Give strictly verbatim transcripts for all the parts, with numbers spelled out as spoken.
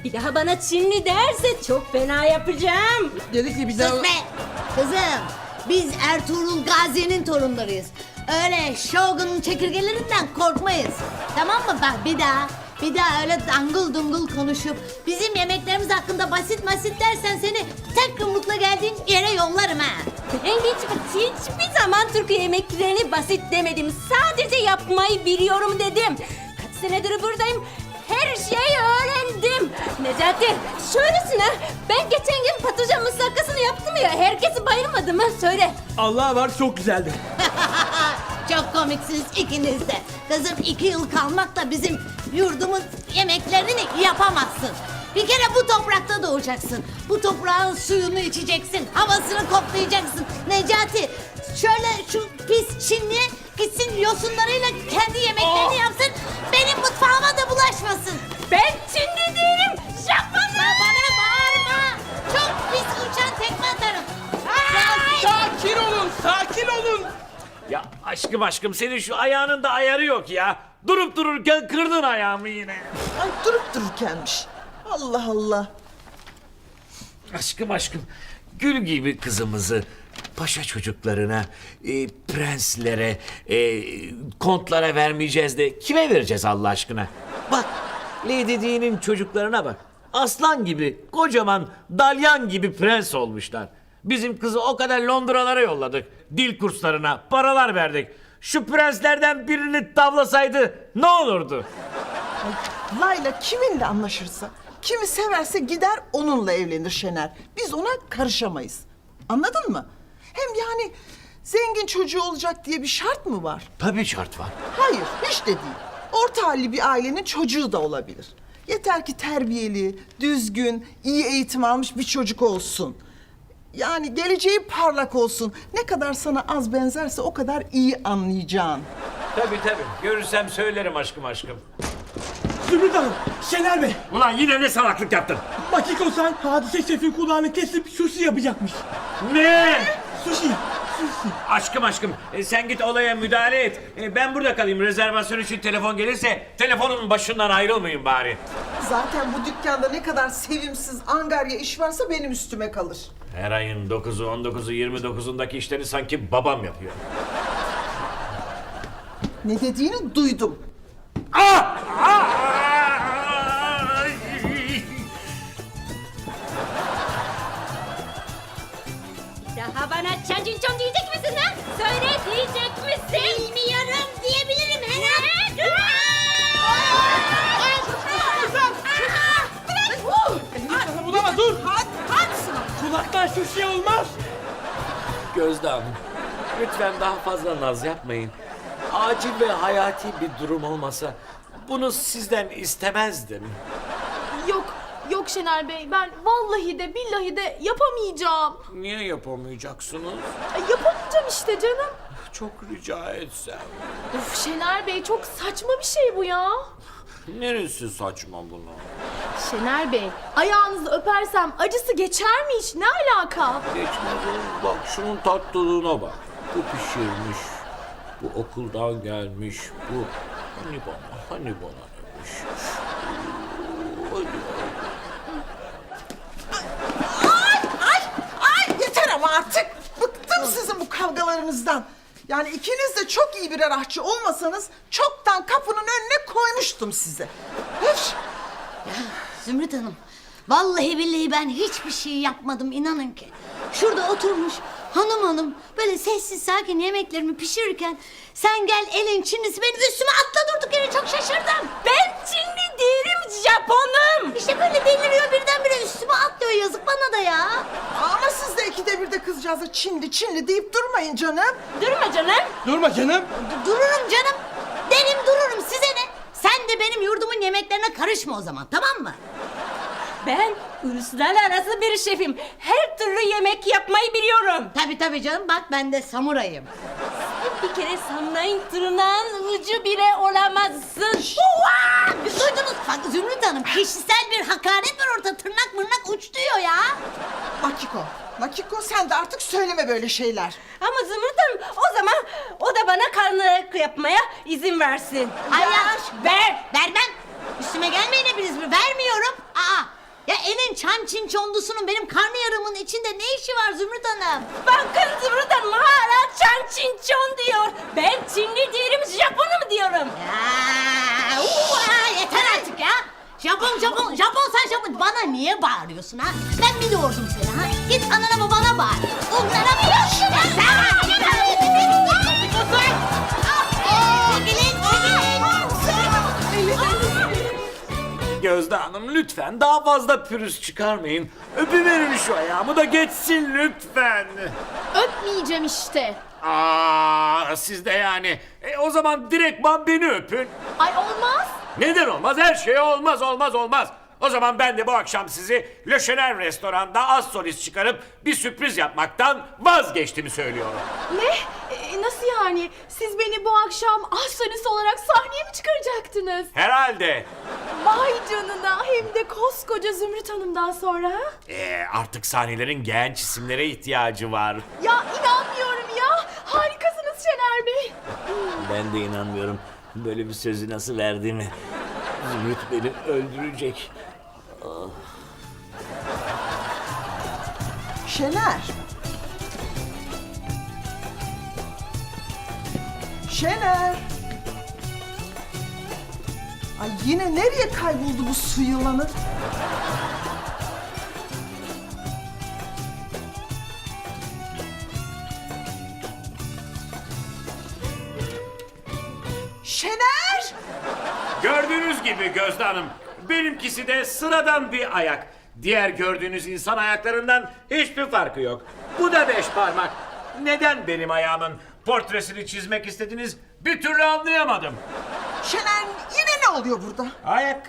Bir daha bana Çinli derse çok fena yapacağım. Dedi ki bir daha... Sus be! Kızım, biz Ertuğrul Gazi'nin torunlarıyız. Öyle Shogun'un çekirgelerinden korkmayız. Tamam mı? Bak bir daha, bir daha öyle dangıl dungul konuşup bizim yemeklerimiz hakkında basit basit dersen seni tek yumrukla geldiğin yere yollarım ha. Ben hiç, hiçbir zaman Türk yemeklerini basit demedim. Sadece yapmayı biliyorum dedim. Kaç senedir buradayım. Her şeyi öğrendim. Necati, şöylesine ben geçen gün patlıcan musakkasını yaptım ya. Herkesi bayılmadı mı? Söyle. Allah var, çok güzeldi. Çok komiksiniz ikiniz de. Kızım iki yıl kalmakla bizim yurdumun yemeklerini yapamazsın. Bir kere bu toprakta doğacaksın. Bu toprağın suyunu içeceksin. Havasını koklayacaksın. Necati şöyle şu pis Çinli'ye gitsin yosunlarıyla kendi yemeklerini Aa! yapsın. Benim mutfağıma da bulaşmasın. Ben Çinli değilim. Japonum. Bana bağırma. Çok pis uçan tekme atarım. Ay! Sakin olun, sakin olun. Ya aşkım aşkım senin şu ayağının da ayarı yok ya. Durup dururken kırdın ayağımı yine. Ay durup dururkenmiş. Allah Allah. Aşkım aşkım gül gibi kızımızı paşa çocuklarına, e, prenslere, e, kontlara vermeyeceğiz de kime vereceğiz Allah aşkına? Bak Lady Di'nin çocuklarına bak. Aslan gibi, kocaman, dalyan gibi prens olmuşlar. Bizim kızı o kadar Londralara yolladık. Dil kurslarına, paralar verdik. Şu prenslerden birini tavlasaydı ne olurdu? Layla kiminle anlaşırsa, kimi severse gider onunla evlenir Şener. Biz ona karışamayız. Anladın mı? Hem yani zengin çocuğu olacak diye bir şart mı var? Tabii şart var. Hayır, hiç de değil. Orta halli bir ailenin çocuğu da olabilir. Yeter ki terbiyeli, düzgün, iyi eğitim almış bir çocuk olsun. Yani geleceği parlak olsun. Ne kadar sana az benzerse o kadar iyi anlayacaksın. Tabii tabii. Görürsem söylerim aşkım aşkım. Zümrüt Hanım, Şener Bey. Ulan yine ne salaklık yaptın? Makiko-san Hadise Şef'in kulağını kesip sushi yapacakmış. Ne? Sushi, sushi. Aşkım aşkım e, sen git olaya müdahale et. E, ben burada kalayım. Rezervasyon için telefon gelirse telefonun başından ayrılmayın bari. Zaten bu dükkanda ne kadar sevimsiz angarya iş varsa benim üstüme kalır. Her ayın dokuzu, on dokuzu, yirmi dokuzundaki işleri sanki babam yapıyor. Ne dediğini duydum. Ah! Ah! Ay! Daha bana çancın diyecek misin ha? Söyle diyecek misin? Bilmiyorum diyebilirim herhalde. Sana bulama, dur. Kulaktan sushi olmaz. Gözde Hanım, lütfen daha fazla naz yapmayın. Acil ve hayati bir durum olmasa bunu sizden istemezdim. Yok, yok Şener Bey. Ben vallahi de billahi de yapamayacağım. Niye yapamayacaksınız? Ay, yapamayacağım işte canım. Çok rica etsem. Of Şener Bey çok saçma bir şey bu ya. Neresi saçma bunu? Şener Bey ayağınızı öpersem acısı geçer mi hiç? Ne alaka? Geçmez oğlum. Bak şunun tatlılığına bak. Bu pişirmiş. Bu okuldan gelmiş. Bu hani bana, hani bana demiş. Hadi. Ay, ay yeter ama artık. Bıktım sizin bu kavgalarınızdan. Yani ikiniz de çok iyi birer aşçı olmasanız çoktan kapının önüne koymuştum size. Öf! Zümrüt Hanım, vallahi billahi ben hiçbir şey yapmadım inanın ki. Şurada oturmuş hanım hanım böyle sessiz sakin yemeklerimi pişirirken sen gel elin Çinlisi benim üstüme atla durduk yere çok şaşırdım. Ben Çinli değilim, Japonum. İşte böyle deliriyor birdenbire üstüme atlıyor yazık bana da ya. Ama siz de ikide bir de kızcağıza Çinli Çinli deyip durmayın canım. Durma canım. Durma canım. D- dururum canım. Derim dururum size ne? Sen de benim yurdumun yemeklerine karışma o zaman tamam mı? Ben uluslararası bir şefim. Her türlü yemek yapmayı biliyorum. Tabii tabii canım bak ben de samurayım. Bir kere samurayın tırnağın ucu bile olamazsın. Uva! Duydunuz bak Zümrüt Hanım kişisel bir hakaret var orada tırnak mırnak uç diyor ya. Makiko, Makiko sen de artık söyleme böyle şeyler. Ama Zümrüt Hanım o zaman o da bana karnı yapmaya izin versin. Hayır Ya, ver. vermem. Üstüme gelmeyin hepiniz mi? Vermiyorum. Aa Ya elin çan çin çondusunun benim karnıyarımın içinde ne işi var Zümrüt Hanım? Bakın Zümrüt Hanım hala çan çin çon diyor. Ben Çinli değilim, Japonum diyorum. Ya, uva, yeter artık ya. Japon Japon Japon sen Japon. Bana niye bağırıyorsun ha? Ben mi doğurdum seni ha? Git anana babana bağır. Onlara mı yaşıyorsun? Çekilin Gözde Hanım lütfen daha fazla pürüz çıkarmayın. Öpüverin şu ayağımı da geçsin lütfen. Öpmeyeceğim işte. Aa, siz de yani. E, o zaman direktman beni öpün. Ay olmaz. Neden olmaz? Her şey olmaz, olmaz, olmaz. O zaman ben de bu akşam sizi Le Chener restoranda az solist çıkarıp bir sürpriz yapmaktan vazgeçtiğimi söylüyorum. Ne? Ee, nasıl yani? Siz beni bu akşam aşçınız olarak sahneye mi çıkaracaktınız? Herhalde. Vay canına, hem de koskoca Zümrüt Hanım'dan sonra. Ha? Ee, artık sahnelerin genç isimlere ihtiyacı var. Ya inanmıyorum ya. Harikasınız Şener Bey. Ben de inanmıyorum böyle bir sözü nasıl verdiğimi. Zümrüt beni öldürecek. Şener. Şener. Ay yine nereye kayboldu bu su yılanı? Şener! Gördüğünüz gibi Gözde Hanım, benimkisi de sıradan bir ayak. Diğer gördüğünüz insan ayaklarından hiçbir farkı yok. Bu da beş parmak. Neden benim ayağımın portresini çizmek istediniz bir türlü anlayamadım. Şener yine ne oluyor burada? Ayak.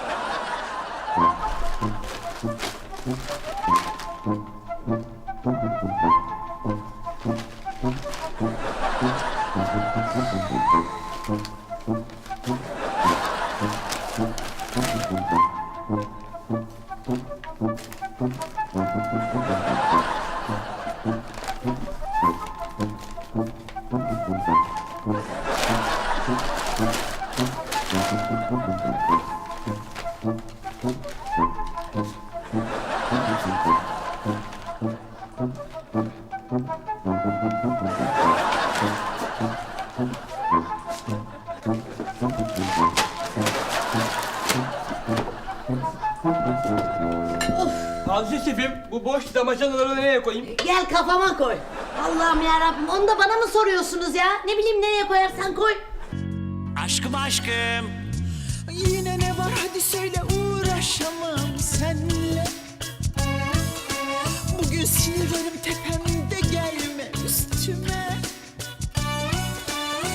Hadise şefim, bu boş damacanaları nereye koyayım? Gel kafama koy. Allah'ım ya Rabbim, onu da bana mı soruyorsunuz ya? Ne bileyim nereye koyarsan koy. Aşkım aşkım. Yine ne var hadi söyle uğraşamam senle. Bugün sinirlerim tepemde.